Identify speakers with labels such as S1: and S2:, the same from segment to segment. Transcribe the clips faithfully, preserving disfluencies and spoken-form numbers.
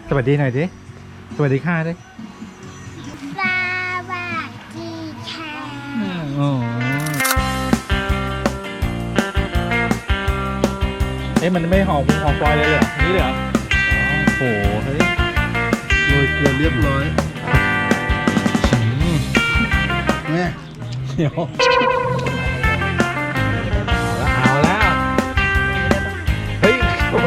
S1: สวัสดีหน่อยดิสวัสดีค่ะดิ
S2: สวัสดีค่ะ
S1: โอ้เอ๊ะมันไม่หอมหอมฟอยเลยเหรอนี่เลยเหรอโอ้โหเฮ้ย
S3: โรยเกลือเรียบร้อย
S1: อืม
S3: แม่
S1: เดี๋ยวเอาแล้วเฮ้ย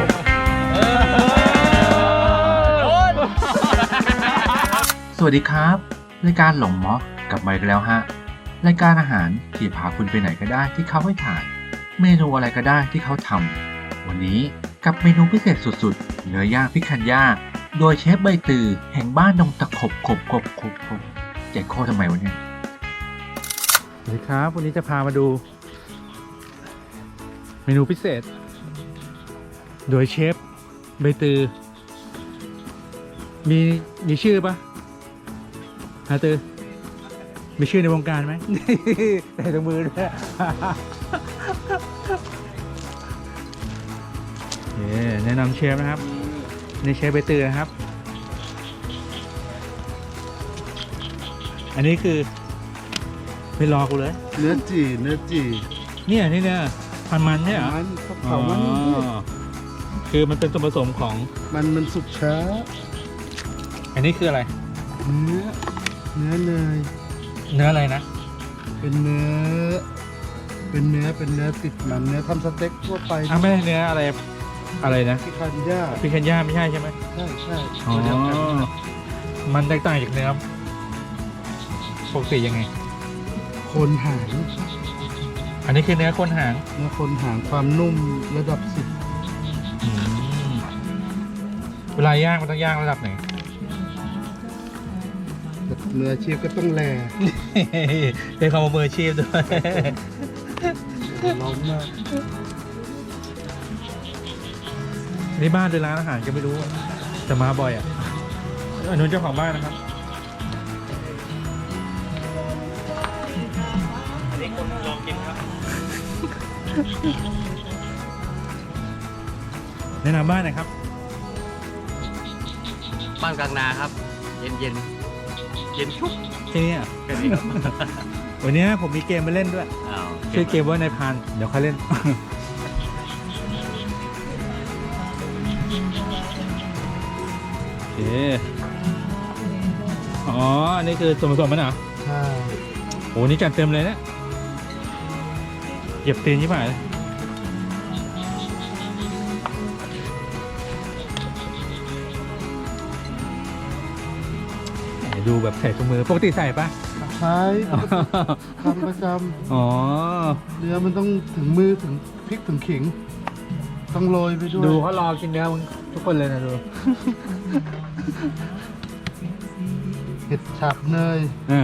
S1: สวัสดีครับรายการหลงม็อกกลับมาอีกแล้วฮะรายการอาหารที่พาคุณไปไหนก็ได้ที่เขาให้ถ่ายเมนูอะไรก็ได้ที่เขาทำวันนี้กับเมนูพิเศษสุดๆเนื้อย่างพิคันย่าโดยเชฟใบตือแห่งบ้านดงตะขบขบขบขบขบใจโคตรทำไมวะเนี่ยสวัสดีครับวันนี้จะพามาดู เมนูพิเศษ โดยเชฟใบตือมีมีชื่อปะฮะตือมีชื่อในวงการไหม ใส่ตรงมือด้วย แนะนำเชฟนะครับนี่เชฟใบตือนะครับ อันนี้คือไม่รอกูเลย
S3: เนื้อจีเนื้อจี
S1: เนี่ยนี่เนี่ยพันมันเนี่ยเหรอ
S3: มันเขา
S1: อ๋
S3: เผามัน
S1: อคือมันเป็นส่วนผสมของ
S3: มันมันสุกช้า
S1: อันนี้คืออะไร
S3: เนื้อเนื้อเนย
S1: เนื้ออะไรนะ
S3: เป็นเนื้อ เป็นเนื้อเป็นเนื้อติดมันเนื้อทำสเต็กทั่วไป
S1: อ้าวไม่ใช่เนื้ออะไรอะไรนะ
S3: ที่คันย่า
S1: พิคันย่าไม่ใช่ใช่ไหม
S3: ใช่ใช่
S1: อ๋อ
S3: ตัวเดียวกัน
S1: มันแตกต่างจากเนื้อปกติยังไง
S3: โคนหาง
S1: อันนี้คือเนื้อคนหาง
S3: เนื้อโคนหางความนุ่มระดับสิบ
S1: อืมเวลาย่างมันต้องย่างระดับไหน
S3: เนื้ออาชีพก็ต้องแล
S1: เป็นคำว่ามืออาชีพด้วย
S3: ร้อนมาก
S1: นี่บ้านหรือร้านอาหารก็ไม่รู้แต่มาบ่อยอ่ะอันนู้นเจ้าของบ้านนะครับนี่คนลองกินครับ แนะนำบ้านหน่อยครับ
S4: บ้านกลางนาครับ เย็นเย็นเย็นชุบ
S1: ที่นี่อ่ะ
S4: แค่นี้ครับ
S1: วันนี้ผมมีเกมมาเล่นด้วย
S4: อ้าว
S1: ชื่อเกมว่านายพรานเดี๋ยวค่อยเล่น โอเค อ๋อ อันนี้คือส่วนผสมมันเหรอ
S3: ใช่
S1: โห นี่จัดเต็มเลยเนะเหยียบตีนยี่ห้อเลยดูแบบใส่ถุงมือ ปกติใส่ปะ
S3: ใช้ทำประจ
S1: อ๋อ
S3: ำเนื้อมันต้องถึงมือถึงพริกถึงขิง ต้องโรยไปด้วย
S1: ดูเขารอกินเนื้อมึงทุกคนเลยนะดู
S3: เห็ดฉาบเนย
S1: อ่า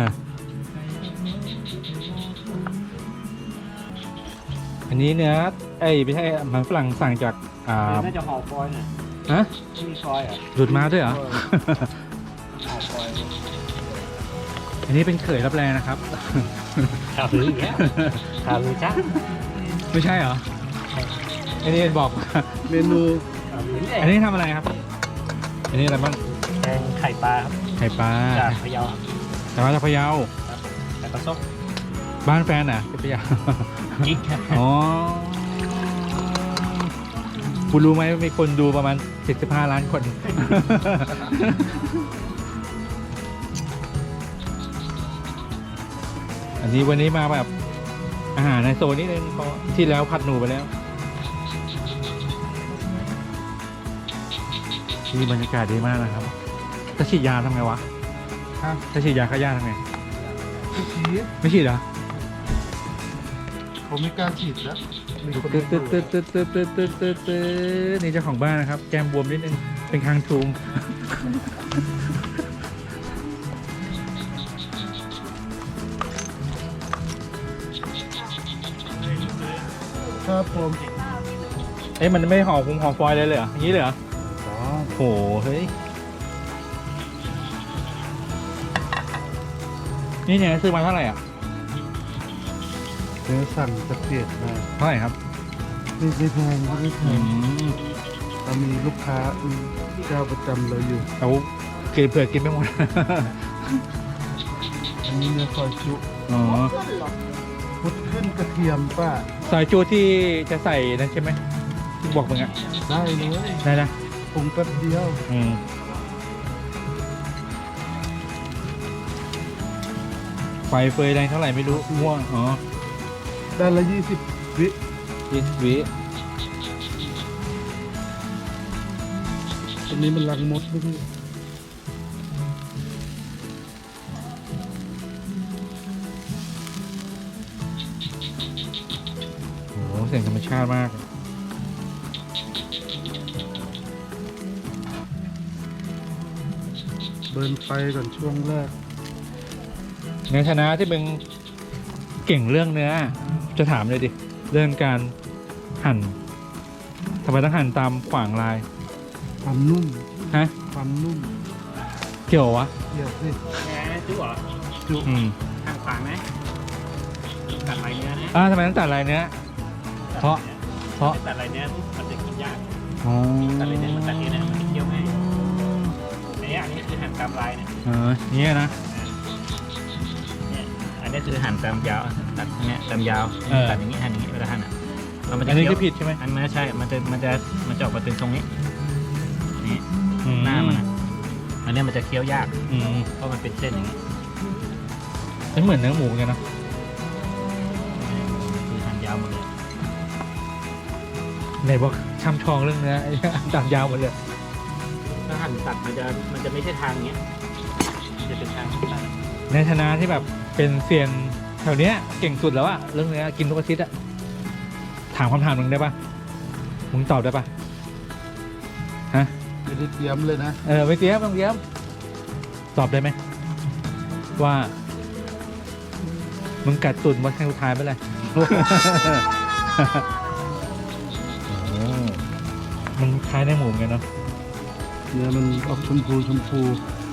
S1: อันนี้เนื้อไอ้ยไม่ใช่มันฝรั่งสั่งจาก อ่า
S4: น่าจะห่อฟอยล์น่ะ
S1: ฮะ
S4: ไม่มีฟอยล์เหรอ่ะ
S1: หลุดมาด้วยเหรอ
S4: ห่อฟอยล์
S1: อันนี้เป็นเขยรับแรงนะครับ
S4: ข่าวลืออีกแล้วข่าวลือจ้า
S1: ไม่ใช่เหรอ อันนี้บอก
S3: เมนู
S4: ข่าวลือ
S1: อันนี้ทำอะไรครับ อันนี้อะไรบ้าง
S4: แกงไข่ปลาครับ
S1: ไข่ปลา
S4: จากพะเยาครับ
S1: แต่ว่าจากพะเยา
S4: ไข่ปลาส้ม
S1: บ้านแฟนอ่ะที่พะเยา
S4: กิ๊กครับ
S1: อ๋อคุณรู้ไหมว่ามีคนดูประมาณเจ็ดสิบห้าล้านคน อันนี้วันนี้มาแบบอาหารในโซนนิดนึงเพราะที่แล้วผัดหนูไปแล้วที่บรรยากาศดีมากนะครับจะฉีดยาทำไงวะ
S3: ฮะ
S1: จะฉีดยาฆ่าหญ้าทำไง
S3: ที่ฉีด
S1: ไม่ฉีดเหรอ
S3: ผมไม่กล้าฉีดแล้วมีคน
S1: ตึ๊ดตึ๊ดตึ๊ดตึ๊ดตึ๊ดตึ๊ดตึ๊ดตึ๊ดตึ๊ดนี่เจ้าของบ้านนะครับ แก้มบวมนิดนึง เป็นคางทูม
S3: ครับผม
S1: เอ้ยมันไม่ห่อคุมห่อฟอยล์เลยเลยเหรออย่างนี้เลยเหรอ
S3: อ๋อ
S1: โห เฮ้ย นี่เนี่ยซื้อมาเท่าไหร่อ่ะ
S3: เนื้อสั่งจะเปลี่ยนมา
S1: เท่าไหร่ครับ
S3: ไม่ไม่แพงไม่แพ
S1: อื
S3: ง
S1: ม
S3: เรามีลูกค้ามีเจ้าประจำเราอยู่
S1: เอากินเผื่อกินไม่หมด
S3: อันนี้เนื้อซอยจุ
S1: อ๋อ
S3: พุดขึ้นกระเทียมป้า
S1: ซอยจูที่จะใส่นั่นใช่ไหมที่บอกมึงอะ
S3: ได้เลย
S1: ได้นะ
S3: ปรุงแป๊บเดียว
S1: อืมไฟเฟยแรงเท่าไหร่ไม่รู้ม่วงอ๋อ
S3: ด้านละยี่สิบวิ
S1: ยี่สิบวิ
S3: ตรงนี้มันรังมดด้วยพี่
S1: โอ้โหเสียงธรรมชาติมาก
S3: เบิร์นไฟก่อนช่วงแรก
S1: ในฐานะที่มึงเก่งเรื่องเนื้อ จะถามเลยดิ เรื่องการหั่นทำไมต้องหั่นตามขวางลาย
S3: ความนุ่ม
S1: ฮะ
S3: ความนุ่ม
S1: เกี่ยววะ
S3: เกี่ยวสิ
S4: แหมจุ๊เหรอ
S3: จุ
S1: อืม
S4: ทางขวางไหมตัดลายเนื้อนะ
S1: อ่าทำไมต้องตัดลายเนื้อ เพราะ เพราะ
S4: ไม่ตัดลายเนื้อมันจะกินยาก
S1: อ๋อ
S4: ตัดลายเนื้อมันตัดเองนะมันเคี้ยวง่ายอันนี้อันนี้คือหั่นตามลายเนี่ย
S1: เออเนี่ยนะ
S4: เนี่ยอันนี้คือหั่นตามยาวตัดเนี่ยตามยาว
S1: เออ
S4: ตัดอย่างนี้หั่นอย่างนี้เวลาหั่นอ่ะแล้วมันจะ
S1: อันนี้
S4: เคี้ยว
S1: ก็ผิดใช่ไหม
S4: อันนั้นใช่ มันจะมันจะมันจะออกมาเป็นทรงนี้นี่
S1: อืม
S4: หน้ามันอะอันนี้มันจะเคี้ยวยาก
S1: อืม
S4: เพราะมันเป็นเส้นอย่างนี้
S1: มันเหมือนเนื้อหมูเหมือนกันเนอะ
S4: คือหั่นยาวหมดเลย
S1: ไหนบอกช่ำชองเรื่องเนื้อ ไอ้ตัดยาวหมดเลย
S4: ถ้าหั่นตัดมันจะมันจะไม่ใช่ทางอย่างเงี้ยมันจะเป็นทางตัด
S1: ในฐานะที่แบบเป็นเซียนแถวเนี้ยเก่งสุดแล้วอะเรื่องเนื้อกินทุกอาทิตย์อะถามคำถามมึงได้ปะมึงตอบได้ปะฮะ
S3: ไม่ได้เตรียมเลยนะ
S1: เออไม่เตรียมไม่ต้องเตรียมตอบได้ไหมว่า มึงกัดตุ่นวันครั้งสุดท้ายไปเลย โอ้มันคล้ายในหมูเหมือนกันเนาะ
S3: เนื้อมันออกชมพูชมพู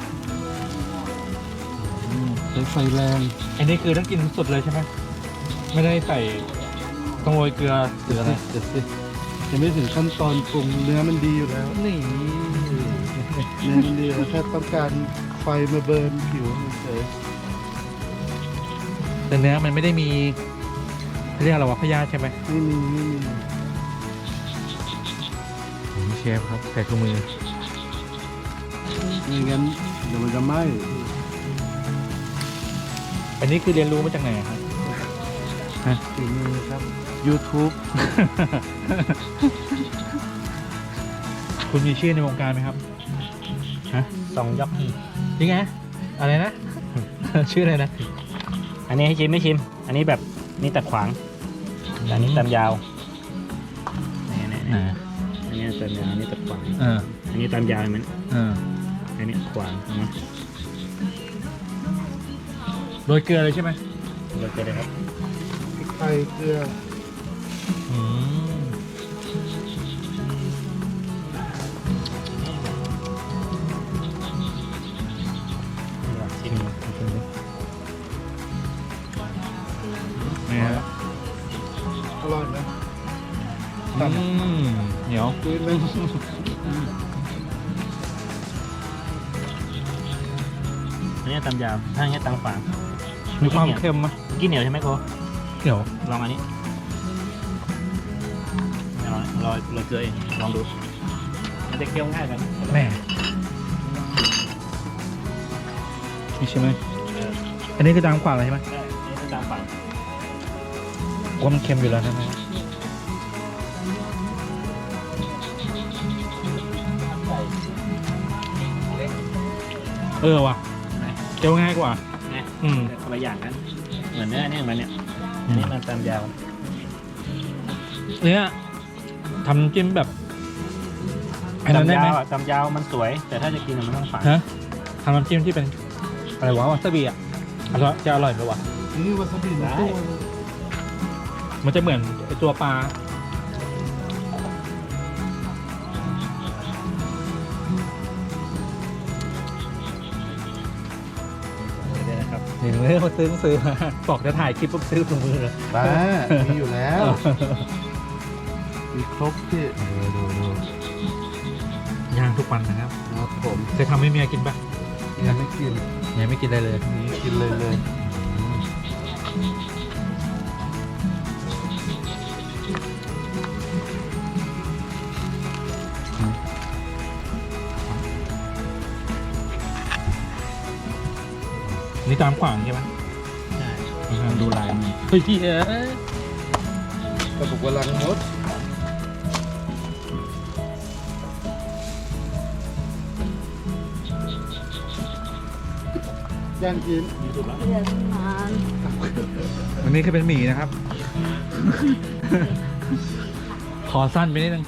S3: ใช้ไฟแรง
S1: อันนี้คือต้องกินสดเลยใช่ไหมไม่ได้ใส่ต้องโรยเกลือหรืออะไร
S3: เดี๋ยวสิยังไม่ถึงขั้นตอนปรุงเนื้อมันดีอยู่แล้ว
S1: นี่
S3: เนื้อมันดีแล้วแค่ต้องการไฟมาเบิร์นผิวเฉย
S1: แต่เนื้อมันไม่ได้มีเขาเรียกอะไรวะพยาธิใช่ไหม
S3: ไม่มีไม่มี
S1: เชฟครับใส่ถุงมือ
S3: ไม่งั้นเดี๋ยวมันจะไหม้
S1: อันนี้คือเรียนรู้มาจากไหนครับ
S3: ฝีมือครับ YouTube
S1: คุณมีชื่อในวงการไหมครับฮะ
S4: สองยอก
S1: จริงไงอะไรนะ ชื่ออะไรนะ
S4: อันนี้ให้ชิมไม่ชิม อันนี้แบบนี่ตัดขวางแต่อันนี้ตามยาวนี่นี่นี่อันนี้ตามยาวอันนี้ตัดขวาง
S1: เออ
S4: อันนี้ตามยาวเห็นไหม
S1: เออ
S4: อันนี้ขวางนะ
S1: โรยเกลือเลยใช่ไหม
S4: เราจะได้ครับ
S3: พริกไทยเกลือ
S1: อืม
S4: ชิม
S1: นี่ฮะ
S3: อร่อยไหม
S1: อืมเหนียว
S3: คืนนึง
S4: อันนี้ตามยาวถ้าอันนี้ตามขวาง
S1: มีความเค็มไหม
S4: กินเหนียวใช่ไหมโก
S1: เหนียว
S4: ลองอันนี้ไม่เอารอรอเกลือเองลองดูมันจะเคี้ยวง่ายกัน
S1: แม่นี่ใช่ไหม
S4: เออ
S1: อันนี้คือตามขวางเลยใช่ไหม
S4: ใช่อันนี้คือตามขวาง
S1: ว่ามันเค็มอยู่แล้วใช่ไหมเออว่ะ
S4: ใช่ไหม
S1: เจียวง่ายกว่า
S4: เนี่ย
S1: อืม
S4: แต่คนละอย่างกัน เหมือนเนื้อเนี่ยเหมือนเนี่ยอันนี้มันตามยาว
S1: เนี่ยทำน้ำจิ้มแบบอันนั้นได้ไหม
S4: ตามยาวอะตามยาวมันสวย แต่ถ้าจะกินอะมันต้องฝาง
S1: ฮะทำน้ำจิ้มที่เป็นอะไรวะวาซาบิอ่ะอร่อยจะอร่อยไหมวะ
S3: นี่วาซาบิในตู้
S1: มันจะเหมือนไอตัวปลา
S4: เดี๋ยวนะครับ
S1: เห็นเลยมาซื้อซื้อมาบอกจะถ่ายคลิปปุ๊บซื้อถุงมือเลย
S3: บ้ามีอยู่แล้ว มีครบที่
S1: ดูดูดูทุกวันนะครับ
S3: ครับผม
S1: จะทำให้เมียกินปะ
S3: ยังไม่กิน
S1: เมียไม่กินอะไรเลย
S3: นี่กินเลยเลย
S1: นี่ตามขวางใช่ไหม
S4: ใช่
S1: ดูลายมันเฮ้ยพี่เอ๋ย
S3: กระปุกกำลังมดย่างกิน
S1: อันนี้คือเป็นหมี่นะครับ ขอสั้นไปนิดนึง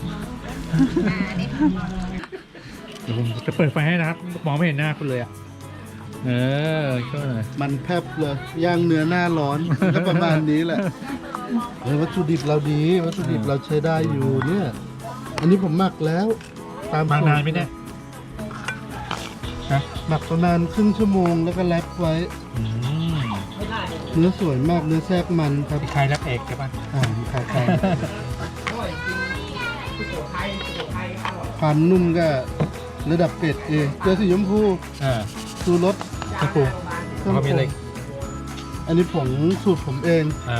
S1: เดี๋ยวผมจะเปิดไฟให้นะครับมองไม่เห็นหน้าคุณเลยอ่ะเออช่วยหน่อย
S3: มันแพบเลยย่างเนื้อหน้าร้อนก็ประมาณนี้แหละเฮ้ยวัตถุดิบเราดี วัตถุดิบเราใช้ได้อยู่เนี่ย อันนี้ผมหมักแล้ว ตาม
S1: บาง
S3: สูตร
S1: นานไหมเนี่ยฮะ
S3: หมักประมาณครึ่งชั่วโมงแล้วก็แรปไว้
S1: อืม
S3: เนื้อสวยมากเนื้อแทรกมันครับ
S1: ใครรับเอกใช่ปะ
S3: อ่าขายขายความนุ่มก็ระดับเป็ดเองเกลือสีชมพู
S1: อ่า
S3: สูรส
S1: กระปุกแล้วก็มีอะไร
S3: อันนี้ผงสูตรผมเอง
S1: อ่า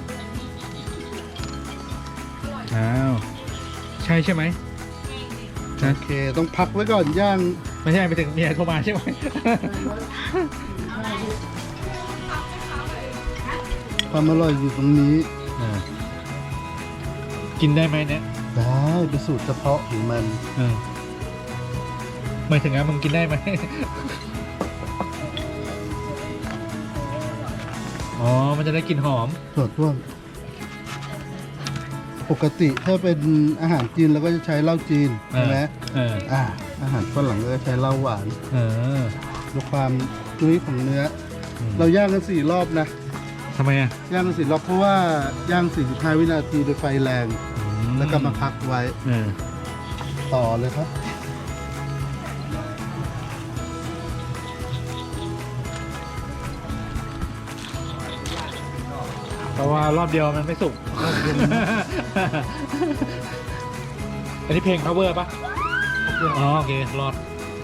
S1: อ้าวใช่ใช่ไหม
S3: โอเค ต้องพักไว้ก่อนย่าง
S1: ไม่ใช่ไปถึงเมียโทรมาใช่ไหม
S3: ความอร่อยอยู่ตรงนี้
S1: อ่ากินได้ไหมเนี่ย
S3: ได้เป็นสูตรเฉพาะของมัน
S1: เออหมายถึงอ่ะมึงกินได้ไหม อ๋อ มันจะได้กลิ่นหอม
S3: ส่วนร่วมปกติถ้าเป็นอาหารจีนเราก็จะใช้เหล้าจีนใช่ไหม
S1: เออ
S3: อ่า อาหารฝรั่งก็จะใช้เหล้าหวาน
S1: เออ
S3: ดูความจุ้ยของเนื้อ
S1: อืม
S3: เราย่างกันสี่รอบนะ
S1: ทำไมอ่ะ
S3: ย่างกันสี่รอบเพราะว่าย่างสี่สิบห้าวินาทีโดยไฟแรง
S1: อื
S3: แล้วก็มาพักไว้
S1: เออ
S3: ต่อเลยครับ
S1: เพราะว่ารอบเดียวมันไม่สุก อันนี้เพลง cover ปะอ๋อ โอเค รอด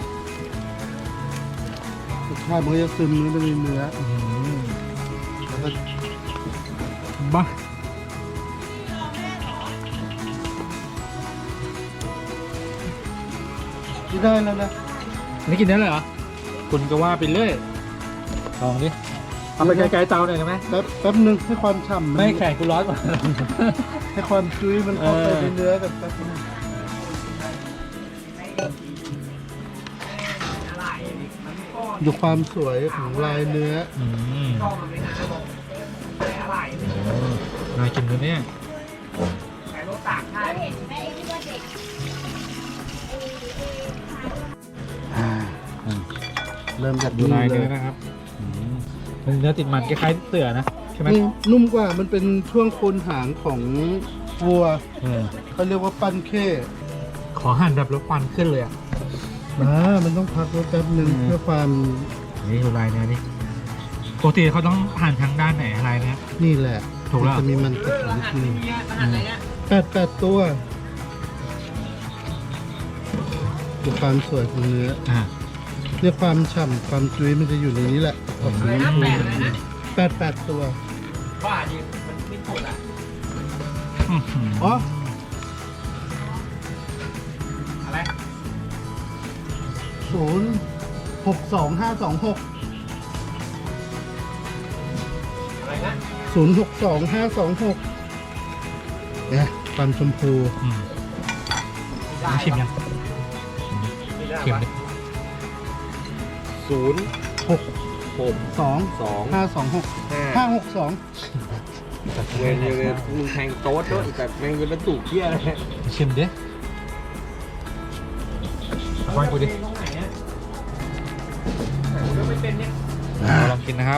S3: รสชาติมันก็จะซึมเนื้อไปในเนื้อ
S1: อืม
S3: แล้วก็
S1: บ้า
S3: ที่ได้แล้วนะ
S1: อันนี้กินได้เลยเหรอ คุณก็ว่าไปเรื่อยลองดิ เอาไปไกลๆเตาหน่อยได้ไหม
S3: แป๊บแป๊บนึงให้ความฉ่ำน
S1: ไม่แข่งกูร้อนกว่า
S3: ให้ความจุ้ยมันเข้าไป
S1: เออ
S3: ในเนื้อกันแป๊บนึงดูความสวยของลายเนื้อ
S1: อืมน่ากินตัวเนี้ย
S3: อ่าเริ่มจาก
S1: ดู
S3: นี่
S1: ลาย
S3: เล
S1: เนื้อย นะครับอืมมันเนื้อติดมันคล้ายๆเสือนะใช่ไหม
S3: นี่นุ่มกว่ามันเป็นช่วงโคนหางของวัว
S1: เออ
S3: เขาเรียกว่าปั้นเข้
S1: ขอหั่นแบบรถควันขึ้นเลยอ่ะ
S3: อ่ามันต้องพักไว้แป๊บนึง
S1: อืม
S3: เพื่อความ
S1: นี่ดูลายเนื้อนี่ปกติเขาต้องหั่นทางด้านไหนลายเนี้ย
S3: นี่แหละ
S1: ถูกแล้ว
S3: มันจะมีมันติดอยู่นิดนึงแปดแปดตัวดูความสวยของเนื้อ
S1: อ่า
S3: เรียกความฉ่ำความจุ้ยมันจะอยู่ในนี้แหละออกสีชมพูแปดแปดตัว
S1: อื้อหือ
S3: อ๋อ
S1: อะไร
S3: ศูนย์หกสองห้าสองหก
S1: อะไรนะ
S3: ศูนย์หกสองห้าสองหกเนี่ยความชมพู
S1: อืมลองชิมยังชิมดิ
S2: ศูนย์
S3: หก
S2: หก
S3: สอง
S2: สอง
S3: ห้าสองหก
S2: ห้า
S3: ห้าหกสอง
S2: เวนเวนมึงแทงโต๊ดด้วยแต่แม่งเป็นประตูเที่ยอะไร
S1: ชิมดิเอาให้กูดิลองกินนะครับ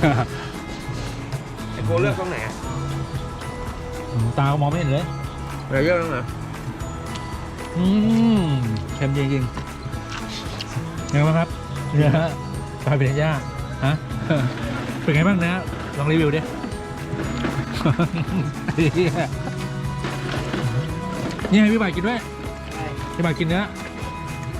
S2: ไอ้โกเลือกตรงไหนอะ
S1: อืมตาก็มองไม่เห็นเลย
S2: อะไรเลือกตรงไหน
S1: อืมเค็มจริงๆยังไงบ้างครับเนื้อปลาเบญย่าฮะ เป็นไงบ้างเนื้อลองรีวิวดิ นี่ให้พี่บ่ายกินด้วยพี่บ่ายกินเนื้อ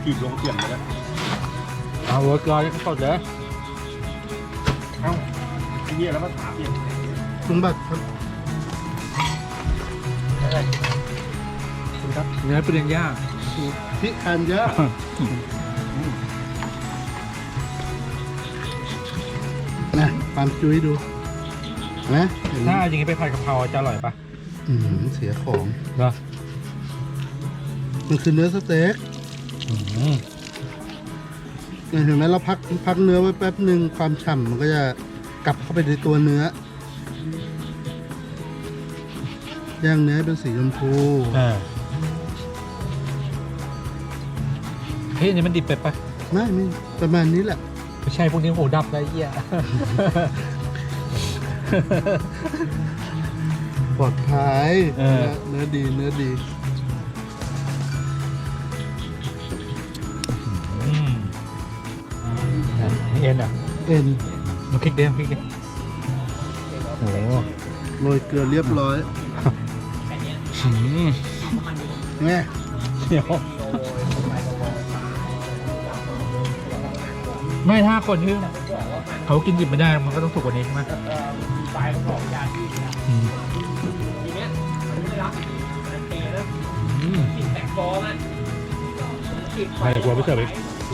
S2: ถีบลงเสียงไปแล้ว
S4: เอาเวอร์กอร์สดเลย
S2: เอ้าไอ้เหี้ยแล้วมาถามอีก
S3: คุณบัตรครับ
S4: ครับเนื้อปริญญา
S3: พิคันเยอะนะความจุ้ยดูนะเห็นไหม
S4: ถ้าอย่างนี้ไปผัดกะเพราจะอร่อยปะ
S3: อืมเสียของ
S4: เหรอ
S3: มันคือเนื้อสเต็ก
S4: อืม
S3: เนี่ยเห็นไหมเราพักพักเนื้อไว้แป๊บหนึ่งความฉ่ำมันก็จะกลับเข้าไปในตัวเนื้อย่างเนื้อให้เป็นสีชมพู
S4: เออเฮ้ยอันนี้มันดิบไปปะ
S3: ไม่ไม่ประมาณนี้แหละ
S4: ไม่ใช่พวกนี้โหดับได้เหี้ย
S3: ปลอดภัย
S4: เออ
S3: เนื้อดีเนื้อดี
S4: อืมนี่เอ็นอ่ะ
S3: เอ็น
S4: มาคลิกเดียวคลิกเดียวโอ้โห
S3: โรยเกลือเรียบร้อย
S4: อืม
S3: ไง
S4: เดี๋ยวไม่ถ้าคนที่เขากินดิบไม่ได้มันก็ต้องสุกกว่านี้ใช่ไหมอืมอืมไม่กลัวไม่เสิร์ฟอีก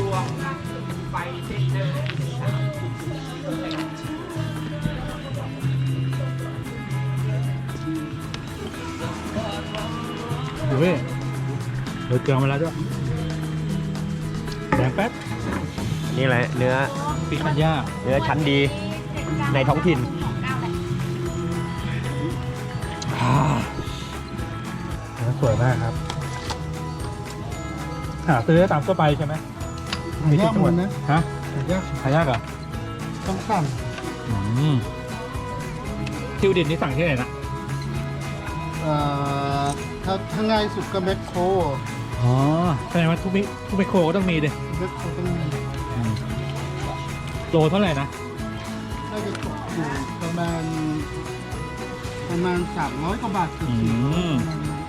S4: ดูเว้ยเดือดเกลือมาแล้วด้วยแดงแป๊บ
S2: นี่แหละเนื้อ
S4: ปิคันย่า
S2: เนื้อชั้นดีในท้องถิ่น
S4: เนื้อสวยมากครับหาซื้อได้ตามทั่วไปใช่ไหม
S3: หายากหมดนะ
S4: ฮะ
S3: หายาก
S4: หายากเหรอ
S3: ต้องสั่ง
S4: อืมทิวดินนี่สั่งที่ไหนนะ
S3: เอ่อถ้าถ้าง่ายสุดก็แมคโคร
S4: อ๋อแสดงว่าทุกมิทุกไมโครก็ต้องมีดิ
S3: แมคโครต้องมี
S4: โลเท่าไหร่นะ
S3: น่าจะตกอยู่ประมาณ ประมาณสามร้อยกว่าบาทเกือบ
S4: อื
S3: สี่ร้อย
S4: ม
S3: ประมาณนั้น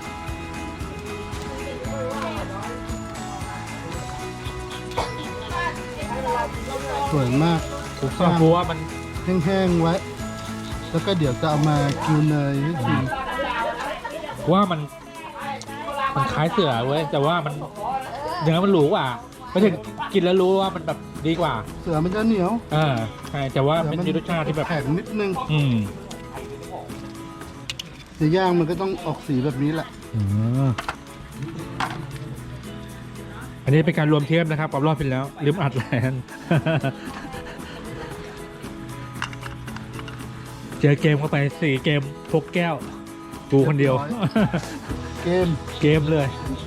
S3: สวยมาก
S4: ผมชอบกลัวว่ามัน
S3: แห้งๆไว้ แล้วก็เดี๋ยวจะเอามากิวเนยให้ชิม
S4: ว่ามันมันคล้ายเสือเว้ยแต่ว่ามันเนื้อมันหรูกว่าไปถึงกินแล้วรู้ว่ามันแบบดีกว่า
S3: เสือมันจะเหนียว
S4: อ่าใช่แต่ว่า
S3: เสือ
S4: มันมีรสชาติที่แบบ
S3: แข็งนิดนึง
S4: อืม
S3: จะย่างมันก็ต้องออกสีแบบนี้แหละ
S4: อืมอันนี้เป็นการรวมเทียบนะครับกับรอบที่แล้วลืมอัดแลน เจอเกมเข้าไปสี่เกมพกแก้ว กูคนเดียว
S3: เกม
S4: เกมเลย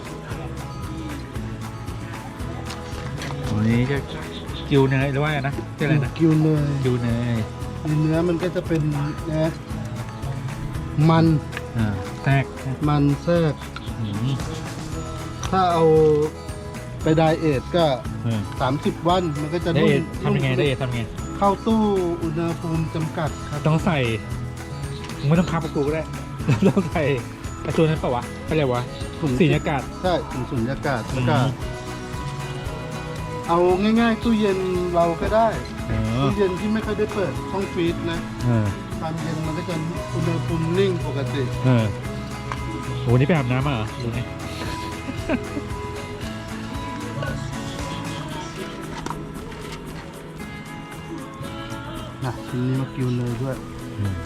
S4: วันนี้จะกิวเนยหรือว่าไงนะชื่ออะไรนะ
S3: กิวเนย
S4: กิวเนย
S3: ในเนื้อมันก็จะเป็นนะมัน
S4: อ่าแทรก
S3: มันแทรก
S4: อืม
S3: ถ้าเอาไปไดเอทก็
S4: เออ
S3: สามสิบวันมันก็จะ
S4: ได้
S3: นุ่
S4: เอ
S3: ม
S4: ทำยังไงได้เอททำยังไง
S3: เข้าตู้อุณหภูมิจำกัดครับ
S4: ต้องใส่มึงไม่ต้องคับกับกูก็ได้ ต้องใส่ไอ้ตัวนั้นเปล่าวะเขาเรียกว่า
S3: ถุง
S4: สีอากาศ
S3: ใช่ถุงสุญญากาศแล้วก็
S4: อืม
S3: เอาง่ายๆตู้เย็นเราก็ได้
S4: เออ
S3: ตู้เย็นที่ไม่ค่อยได้เปิดช่องฟรีซนะ
S4: เออ
S3: ความเย็นมันก็จะอุณหภูมินิ่งปกติ
S4: เออโหนี่ไปอาบน้ำมาเหรอดูนี่
S3: นะทีนี้มากิวเนยด้วย
S4: อืม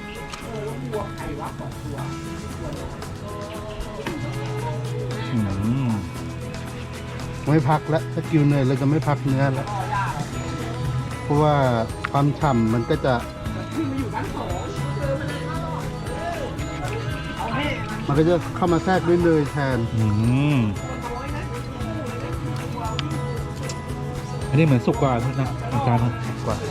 S4: อืม
S3: ไม่พักแล้วถ้ากิวเนยเราจะไม่พักเนื้อแล้ว เพราะว่าความฉ่ำมันก็จะ มันก็จะเข้ามาแทรกด้วยเนยแทน
S4: อืมอันนี้เหมือนสุกกว่าทุกนะอาจารย์
S3: กว่า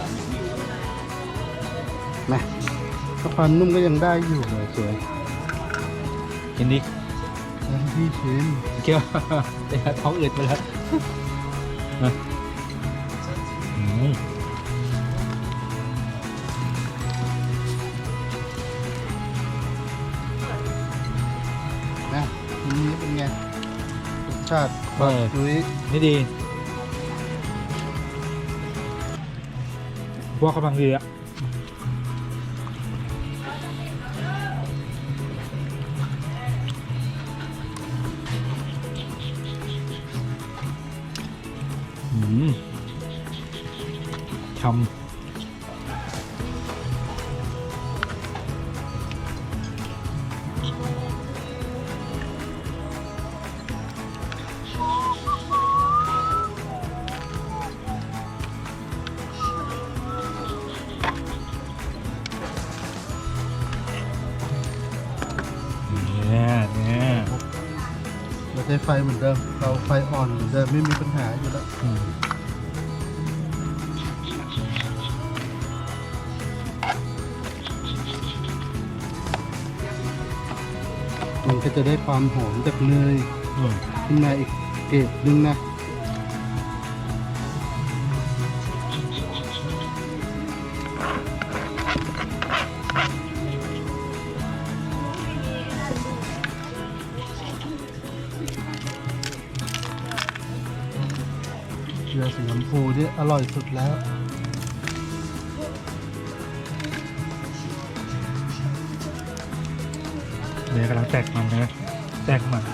S3: นะถ้าความนุ่มก็ยังได้อยู่เลยสวย
S4: กินดิ
S3: แล้วพี่ชิม
S4: เกี่ยว เดี๋ยวท้องอืดไปแล้วนะอืม
S3: นะทีนี้เป็นไงชาติ
S4: เออ
S3: จุ้ย
S4: นี่ดีว่ากำลังดีอะอืมทำเนี่ยเนี่ย
S3: เราใช้ไฟเหมือนเดิมเราไฟอ่อนเหมือนเดิมไม่มีปัญหาอยู่แล้ว
S4: อืม
S3: มันก็จะได้ความหอมจากเนย
S4: อืม
S3: ขึ้นมาอีกเกรดนึงนะเกลือสีชมพูนี่อร่อยสุดแล้ว
S4: เนื้อกำลังแตกมันนะแตกมัน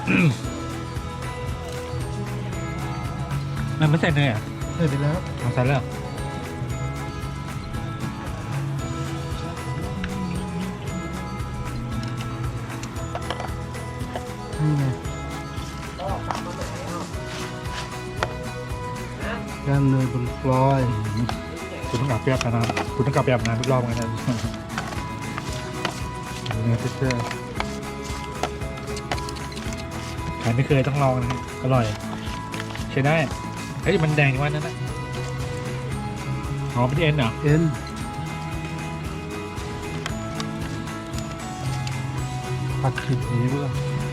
S4: มันไม่ใส่เนยอ่ะ
S3: ใส่ไปแล้ว
S4: เอาใส่แล้ว
S3: นี่ไงย่างเนยบนฟลอย
S4: คุณต้องกลับไปอาบน้ำคุณต้องกลับไปอาบน้ำทุกรอบเหมือนกันนะ เนื้อเท็กเจอร์ใครไม่เคยต้องลองนะอร่อย ใช้ได้เฮ้ยมันแดงว่านั้นนะอ๋อเป็นเอ็นเหรอ
S3: เอ็นผัดขิดนี้เพื่อ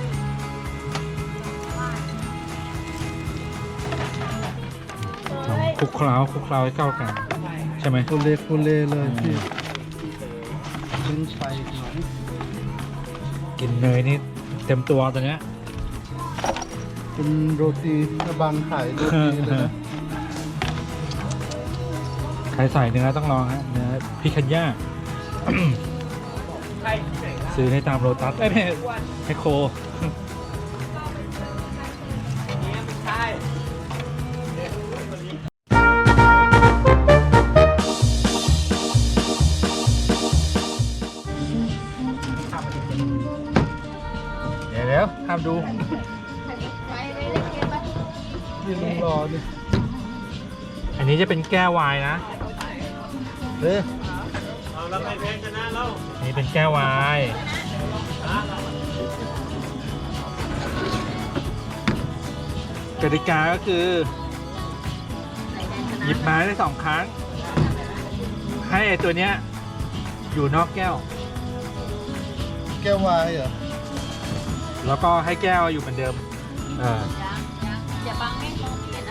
S4: คลุกเคล้าคลุกเคล้าให้เข้ากัน ใช่ไหม
S3: โคเลโคเลเลยพี่ขึ้นไฟหน่อย
S4: กินเนยนี่เต็มตัวตัวเนี้ย
S3: เป็นโรตีกระบังขายโรตีเลยนะ
S4: ใครใส่เนื้อต้องลองฮะเนื้อพิคันย่า ซื้อในตามโรตัสเอ้ยไม่ไมโคร เดี๋ยวเดี๋ยวทำดู
S3: นี่ลุงรอนี่
S4: อันนี้จะเป็นแก้ววายนะ
S3: เฮ้ย
S4: นี่เป็นแก้ววายกติกาก็คือ หยิบไม้ได้สองครั้ง ให้ไอตัวเนี้ย อยู่นอกแก้ว
S3: แก้ววายเหรอ
S4: แล้วก็ให้แก้วอยู่เหมือนเดิมเออ
S5: อย่าบังให้มองเห็นนะ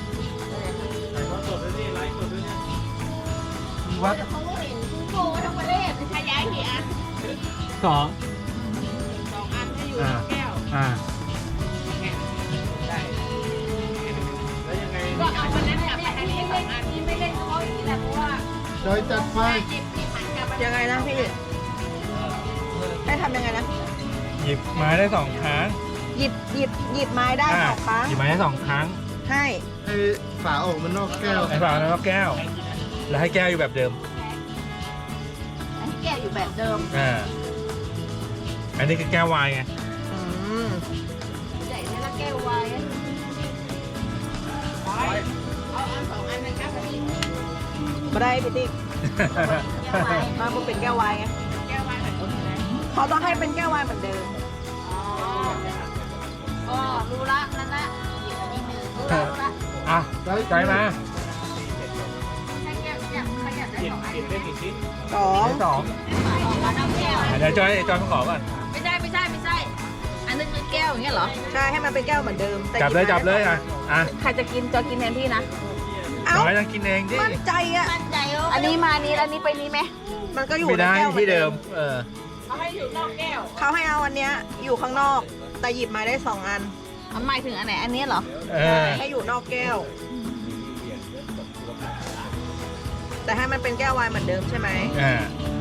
S3: วัด
S5: เขาเห็นคุณโกทั้งประเทศใช้ย้ายกี่อัน
S4: สอง
S5: สองอันจะอยู่
S4: อ่า
S5: ในแก้ว
S4: อ่า
S5: ก็เอาวันนั้นกลับมาอันนี้ไม่อันนี้ไม่เล่นเขาอีกแล้วเพราะว่า
S3: จอยจัดไฟ
S5: เจ็บที่หันกลับมา
S6: ยังไงนะพี่ให้ทำยังไงนะ
S4: หยิบไม้ได้สองครั้ง
S6: หยิบหยิบหยิบไม้ได้
S4: อ่า
S6: สองครั้ง
S4: หยิบไม้ได้สองครั้ง
S6: ให้
S3: ให้ฝาออกมานอกแก้ว
S4: ไอ้ฝาแล้วก็แก้ว แล้วให้แก้วอยู่แบบเดิม
S6: ให้แก้วอยู่แบบเดิม
S4: อ่า อันนี้คือแก้ววายไง
S6: อืม
S5: ใหญ่แล้วแก้ววายเอาอันสองอันนะครับพี่
S6: มาได้พี่ติ๊ก
S5: แก้ววาย
S6: มาบุเป็นแก้ววายไง
S5: แก้ววายแบบนี้นะ
S6: เขาต้องให้เป็นแก้ววายเหมือนเดิม
S5: อ๋ออ๋อรู้ละนั่นละหยิบอันนี้หนึ่งรู้ละรู้ละ
S4: อ่ะใจมา
S5: ให้แก้วอยากเขาอยากได้สองอันใช่ไหม
S6: สอง
S4: ได้สอง
S5: สองอันเอาแก้ว
S4: อ่ะเดี๋ยวจอยจอยมาขอก่อน
S5: ไม่ใช่ไม่ใช่ไม่ใช่ อันนึงคือแก้วอย่างเงี้ยเหรอ
S6: ใช่ให้มันเป็นแก้วเหมือนเดิมแต่
S4: จับเลย
S6: ห
S4: จับเลย
S6: ไม้
S4: อ่ะ อ่ะ
S6: ใครจะกินจะกินแทนพี่นะ เอ้า
S4: จอยต้องกินเองดิ
S6: มั่นใจอ่ะ
S5: มั่นใจว่า
S6: อันนี้มานี้แล้วอันนี้ไปนี้ไหมมันก็อยู่
S4: ไม่
S6: ใน
S4: ได้
S6: แก้วหอน
S4: ที่เดิม เออ
S5: เขาให้อยู่นอกแก้ว
S6: เขาให้เอาอันเนี้ยอยู่ข้างนอก แต่หยิบไม้ได้สองอัน
S5: ออันหมายถึงอันไหนอันนี้เหรอ
S4: เออ
S6: ให้อยู่นอกแก้ว แต่ให้มันเป็นแก้ววายเหมือนเดิมใช่ไหม
S4: อ่า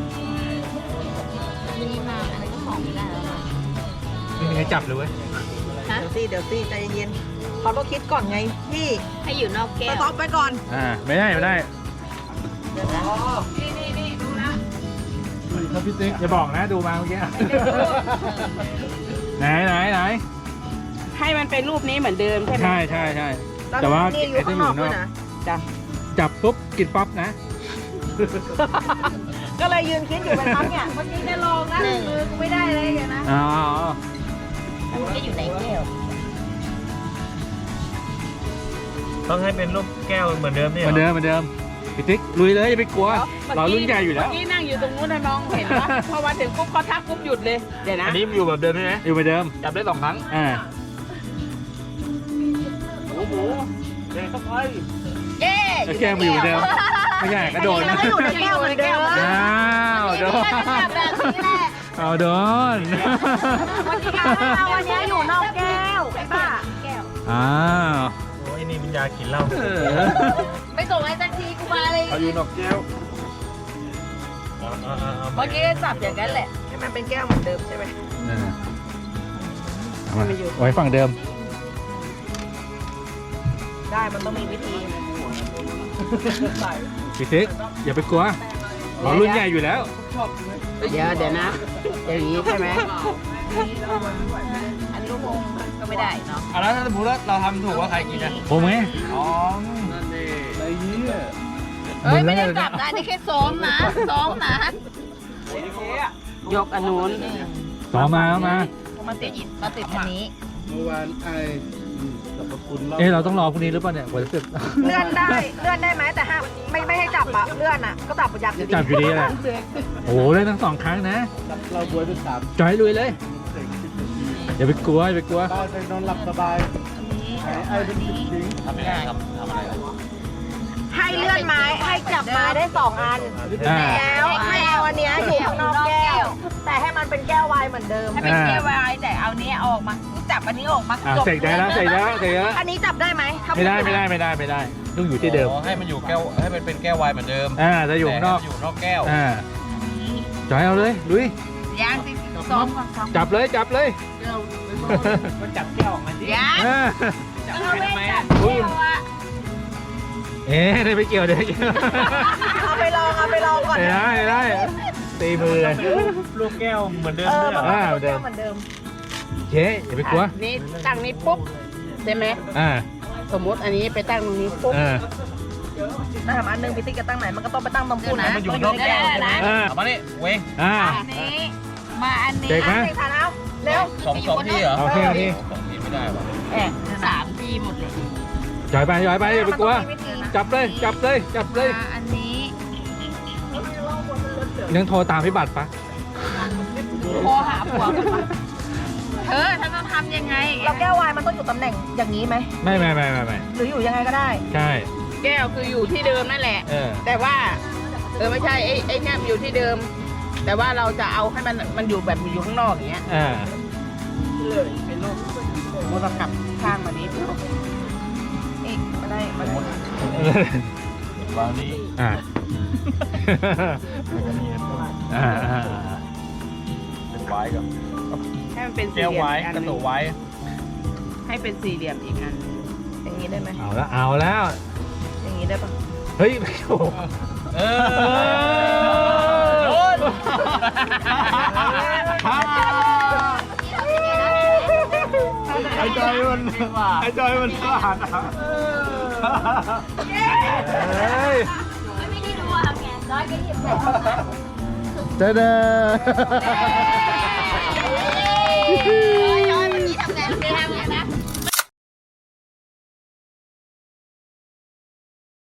S5: อันนี้มาอันนี้ก็ของไม่ได้แล้วนะ
S4: ไม่มีใครจับเลยเว้ย
S5: ฮะ
S6: เดี๋ยวสิเดี๋ยวสิใจเย็นๆเขาต้องคิดก่อนไงพี่
S5: ให้อยู่นอกแก้
S6: ส
S5: ว
S6: ต็อปไปก่อน
S4: อ่าไม่ได้ไม่ได้
S5: นี่นี่นี่ดูนะ
S3: ครับพี่ติ๊ก
S4: อย่าบอกนะดูมาเมื่อกี้ ไหนไหนไหน
S7: ให้มันเป็นรูปนี้เหมือนเดิมใช่ไหม
S4: ใช่ใช่ใช่
S6: แล้ว
S4: แต่ว่า
S6: นี่อยู่ข้างนอกด้วยนะ
S7: จ้ะ
S4: จับปุ๊บกินปั๊บนะ
S6: ก็เลยยืนคิดอยู่เป็นพักเนี่ยเมื่อกี้จะลองนะมือกูไม่ได้เลยเดี๋ยวนะ
S4: อ๋อ
S5: แล้วมันก็อยู่ในแก้ว
S8: ต้องให้เป็นรูปแก้วเหมือนเดิมนี่
S4: เหมือนเดิมเหมือนเดิมพี่ติ๊กลุยเลยอย่าไปกลัวเรารุ่นใหญ่อยู่แล้ว
S7: เมื่อกี้นั่งอยู่ตรงนู้นนะน้องเห็นปะพอมาถึงปุ๊บเขาทักปุ๊บหยุดเลย เดี๋ยวนะ
S8: อันนี้อยู่แบบเดิมใช่ไหม
S4: อยู่เหมือนเดิม
S8: จับได้สองครั้ง
S4: อ่า
S8: หมูหมูเด็กเข้าไป
S5: เย้
S4: แล้วแก้มอยู่เหมือนเดิมไม่ใช่กระโดด
S6: อันนี้มันก็อยู่ในแก้วเหมือนเดิม
S4: อ้าวโดน
S5: แบบนี้แหละ
S4: เอาโดน
S6: วันนี้เอาวันนี้อยู่นอกแก้วไอ้บ้า
S5: แก้ว
S4: อ้าว
S8: โอ้ยนี่มันยากินเหล้า
S4: เออ
S5: ไม่ส่งให้สักทีกูมาเลย
S8: เอาอยู่นอกแก้วเอาเอาเอาเอา
S5: เมื่อกี้จับอย่างนั้นแหละ
S6: ให้มันเป็นแก้วเหมือนเดิมใช่ไหม
S4: เอามาไว้ฝั่งเดิม
S6: ได้มันต้องมีวิธี
S4: พี่ติ๊กอย่าไปกลัวเรารุ่นใหญ่อยู่แล้ว
S7: เดี๋ยวเดี๋ยวนะ อย่างนี้ใช่ไหม
S5: อันนี้คงก็ไม่ได้เนาะ
S8: เอาแล้วถ้าสมมติว่าเราทำถูกว่าใครกินอ่ะ
S4: ผมไง
S8: อ๋อ
S5: เฮ้ยไม่ได้จับนะนี่แค่ซ้อมนะซ้อมนะ
S7: ยกอันนู้น
S4: ต่อมาเอามา
S5: มาติดมาติดอันนี้
S3: เมื่อวานไอ้อืมสรรพคุณเล่า
S4: เอ๊ะเราต้องรอพรุ่งนี้หรือเปล่าเนี่ยกว่าจะเสร็จ
S6: เลื่อนได้เลื่อนได้ไหมแต่ห้ามไม่ไม่ให้จับอะเลื่อนอะก็จับยับอยู่ดี
S4: จับอยู่ดีแหละโอ้โหเล่นทั้งสองครั้งนะ
S3: เราบวยเป็นสาม
S4: จอยลุยเลยอย่าไปกลัวอย่าไปกลัว
S3: ได้ไปนอนหลับสบายไอ้ไอ้เป็นสิบทิ้ง
S8: ทำยังไงทำทำอะไรอ่ะ
S6: ให้เลื่อนไม้ให้จับไม้ได้สองอัน
S4: อ่า
S6: แล้วให้เอาอันเนี้ยอยู่ข้างนอกแก้ว แต่ให้มันเป็นแก้ววายเหมือนเดิม
S5: ให้เป็นแก้ววายแต่เอานี้ออกมาจับอันนี้ออกมา
S4: อ่าเสร็จได้แล้วเสร็จได้แล้วเสร็จได้แล้ว
S6: อันนี้จับได้ไหมถ้า
S4: ไม่ได้ไม่ได้ไม่ได้ไม่ได้ต้องอยู่ที่เดิม
S8: อ๋อให้มันอยู่แก้วให้มันเป็นแก้ววายเหมือนเดิม
S4: อ่าจะอยู่ข้างนอก
S8: แต่ให้มัอยู่นอกแก้ว
S4: อ่าจอยเอาเลยลุย
S5: ยางสิซ้อมก่อนซ้อม
S4: จับเลยจับเลย
S8: มันจับแก้วออกมาสิ
S5: ยาง
S4: อ่า
S8: จับ
S5: เอา
S8: ไป
S5: ไว้
S8: ทำไม
S5: จั
S8: อ่ะ
S5: บแก้วอะ
S4: เอ๊ะได้ไปเกี่ยวได้ไปเกี่ยว
S6: เอาไปลองเอาไปลองก่อน
S4: ได้ได้ได้ตีมือเลย
S8: รูปแก้วเหมือนเดิม
S6: เออ
S8: ด้วยเหรอ
S4: อ่า
S6: มันเป็นแก้วเหมือนเดิม
S4: เจ๊อย่าไปกลัว
S7: นี่ตั้งนี้ปุ๊บใช่ไหม
S4: อ่า
S7: สมมติอันนี้ไปตั้งตรงนี้ปุ๊บ
S4: อ่า
S6: ถ้าทำอันหนึงพิติกจะตั้งไหนมันก็ต้องไปตั้งตรง
S5: เดี๋ย
S6: พุ่
S5: วน นะ
S6: นะ
S8: มันอยู่นอกแก้วใช่ไหม
S4: อ่า
S8: เอามานี่เว้ง
S4: อ่า
S5: อันนี้มาอันนี้
S4: เด็กไหม
S6: เด็กฐานเอาเร็ว
S8: สองสองที่เหรอ
S4: โอเคโอเค
S8: สองที่ไม่ได้ว่ะ
S5: แอบสามทีหมดเลย
S4: จอยไปจอยไปอย่าไปกลัว
S6: มันต้องมีวิธีนะ
S4: จับเลยจับเลยจับเลย
S5: มาอันนี้
S4: ยังโทรตามพี่บัตรปะ
S5: โทรหาผัวกันปะเธอฉันต้องทำยังไง
S6: แล้วแก้ววายมันต้องอยู่ตำแหน่งอย่างนี้ไหม
S4: ไม่ไม่ไม่ไม่ไม่
S6: หรืออยู่ยังไงก็ได้
S4: ใช่
S7: แก้วคืออยู่ที่เดิมนั่นแหละ
S4: เออ
S7: แต่ว่า เออไม่ใช่ไอ้ไอ้เนี่ยมันอยู่ที่เดิม แต่ว่าเราจะเอาให้มันมันอยู่แบบอยู่ข้างนอกอย่างเงี้ย
S4: อ่า
S7: เลยเป็นรูปโมตกลับข้างมานี้
S6: อีกไม่ได้มัน
S8: วางนี้
S4: อ่า
S8: แล้วก็นี่
S4: อ่าอ่า
S8: เป็นไว้กับ
S7: ให้มันเป็นสี่
S8: แก้ว
S7: เหลี่ยม
S8: ไว้
S7: อีกอัน
S8: กระ
S7: ห
S8: ตุ
S7: นึ่
S8: ก
S7: ง
S8: ไว้
S7: ให้เป็นสี่เหลี่ยมอีกอัน
S6: อย่างนี้ได้ไหม
S4: เอาแล้วเอาแล้ว
S6: อย่างนี้ได้ปะ
S4: เฮ้ยโอ้โห
S8: เออโดน
S4: ไอ้จอยมันไอ้จอยมันพลาดอ่ะเฮ้ย
S5: ไม่ได้ดูทำไงร้อยก็หยิบใส่
S4: เด้อเด้อ
S5: ร้อยร้อยเมื่อกี้ทำไงเมื่อกี้ทำไงนะ